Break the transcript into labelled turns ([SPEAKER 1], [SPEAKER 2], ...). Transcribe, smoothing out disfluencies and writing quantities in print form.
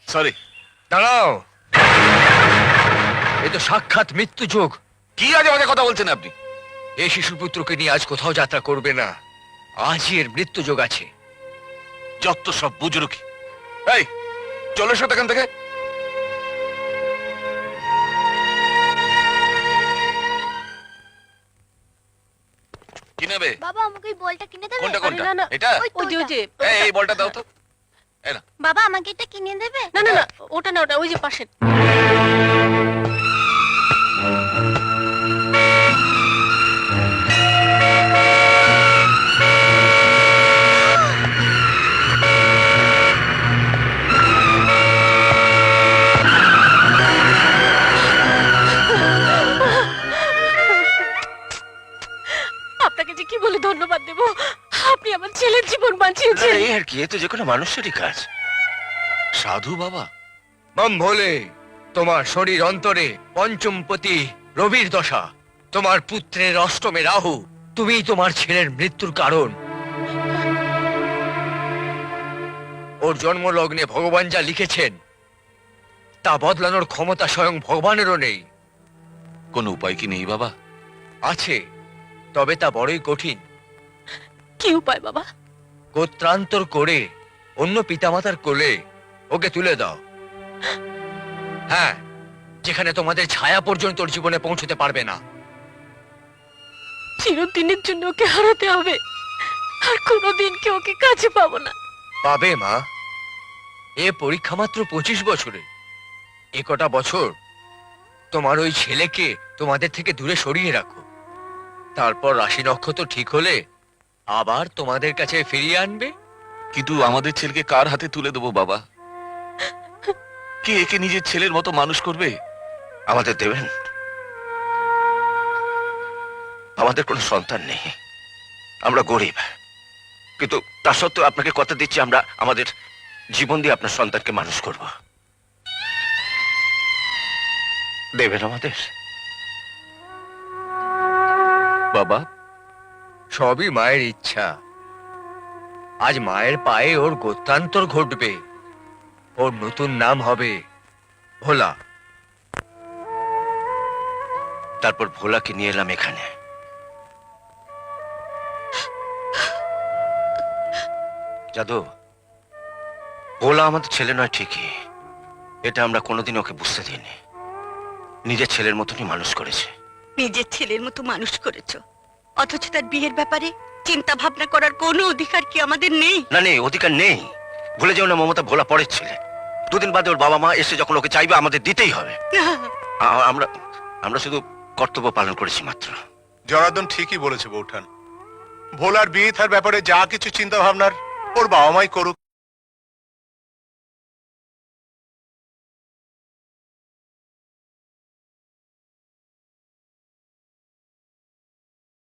[SPEAKER 1] Sorry.
[SPEAKER 2] দাঁড়াও, এ তো সাক্ষাৎ মৃত্যু যোগ।
[SPEAKER 1] কি আজে বাজে কথা বলছেন আপনি?
[SPEAKER 2] এই শিশুপুত্রকে নিয়ে আজ কোথাও যাত্রা করবে না, আজই এর মৃত্যু যোগ আছে।
[SPEAKER 1] যত সব বুজরুকি। এই চলে এসো এখান থেকে। কি নেবে?
[SPEAKER 3] বাবা আমাকে ওই বলটা কিনে দেবে?
[SPEAKER 1] কোনটা কোনটা?
[SPEAKER 4] না, না।
[SPEAKER 1] এটা?
[SPEAKER 3] ওই তো
[SPEAKER 4] ওই যে ওই যে
[SPEAKER 1] এই বলটা দাও তো। এই না।
[SPEAKER 3] বাবা আমাকে এটা কিনে দেবে?
[SPEAKER 4] না না না, ওটা না, ওটা ওই যে পাশে। আপনাকে যে কি বলে ধন্যবাদ দেব, আপনি আমার ছেলের জীবন বাঁচিয়েছেন।
[SPEAKER 5] এই আর কি, এ তো যে কোনো মানুষেরই কাজ।
[SPEAKER 1] সাধু বাবা।
[SPEAKER 2] মম ভোলে, তোমার শরীর অন্তরে পঞ্চমপতি রবির দশা, তোমার পুত্রের অষ্টমে রাহু, তুমিই তোমার ছেলের মৃত্যুর কারণ। ওর জন্মলগ্নে ভগবান যা লিখেছেন তা বদলানোর ক্ষমতা স্বয়ং ভগবানেরও নেই।
[SPEAKER 1] কোন উপায় কি নেই বাবা?
[SPEAKER 2] আছে, তবে তা বড়ই কঠিন।
[SPEAKER 4] কি উপায় বাবা?
[SPEAKER 2] গোত্রান্তর করে অন্য পিতামাতার কোলে ওকে তুলে দাও। হ্যাঁ, যেখানে তোমাদের ছায়া পর্যন্ত ওর জীবনে পৌঁছতে পারবে না।
[SPEAKER 4] চিরদিনের জন্য ওকে হারাতে হবে, আর কোনোদিন কে ওকে কাছে পাবো না।
[SPEAKER 2] পাবে মা, এ পরীক্ষা মাত্র 25 বছরে। এ কটা বছর তোমার ওই ছেলেকে তোমাদের থেকে দূরে সরিয়ে রাখো, তারপর রাশি নক্ষত্র ঠিক হলে আবার তোমাদের কাছে ফিরিয়ে আনবে।
[SPEAKER 1] কিন্তু আমাদের ছেলেকে কার হাতে তুলে দেবো বাবা? কে একে নিজের ছেলের মতো মানুষ করবে?
[SPEAKER 5] আমাদের দেবেন? আমাদের কোনো সন্তান নেই, আমরা গরিব, কিন্তু তা সত্ত্বেও আপনাকে কথা দিচ্ছি আমরা আমাদের জীবন দিয়ে আপনার সন্তানকে মানুষ করব। দেবেন আমাদের?
[SPEAKER 1] বাবা,
[SPEAKER 2] সবই মায়ের ইচ্ছা। আজ মায়ের পায়ে ওর গোত্রান্তর ঘটবে, ওর নতুন নাম হবে ভোলা।
[SPEAKER 5] তারপর ভোলাকে নিয়ে এলাম এখানে। জাদু, ভোলা আমাদের ছেলে নয় ঠিকই, এটা আমরা কোনোদিন ওকে বুঝতে দিইনি। নিজের ছেলের মতনই মানুষ করেছে।
[SPEAKER 6] নিজের ছেলের মতো মানুষ করেছো, অথচ তার বিয়ের ব্যাপারে চিন্তা ভাবনা করার কোনো অধিকার কি আমাদের নেই?
[SPEAKER 5] না, নেই, অধিকার নেই। ভুলে যাও না মমতা ভোলা পরের ছেলে। দুদিন বাদে ওর বাবা মা এসে যখন ওকে চাইবে আমাদের দিতেই হবে। আমরা আমরা শুধু কর্তব্য পালন করেছি মাত্র।
[SPEAKER 7] জনার্দন ঠিকই বলেছে বৌঠান। ভোলার বিয়ে থার ব্যাপারে যা কিছু চিন্তা ভাবনার ওর বাবা মাই করুক,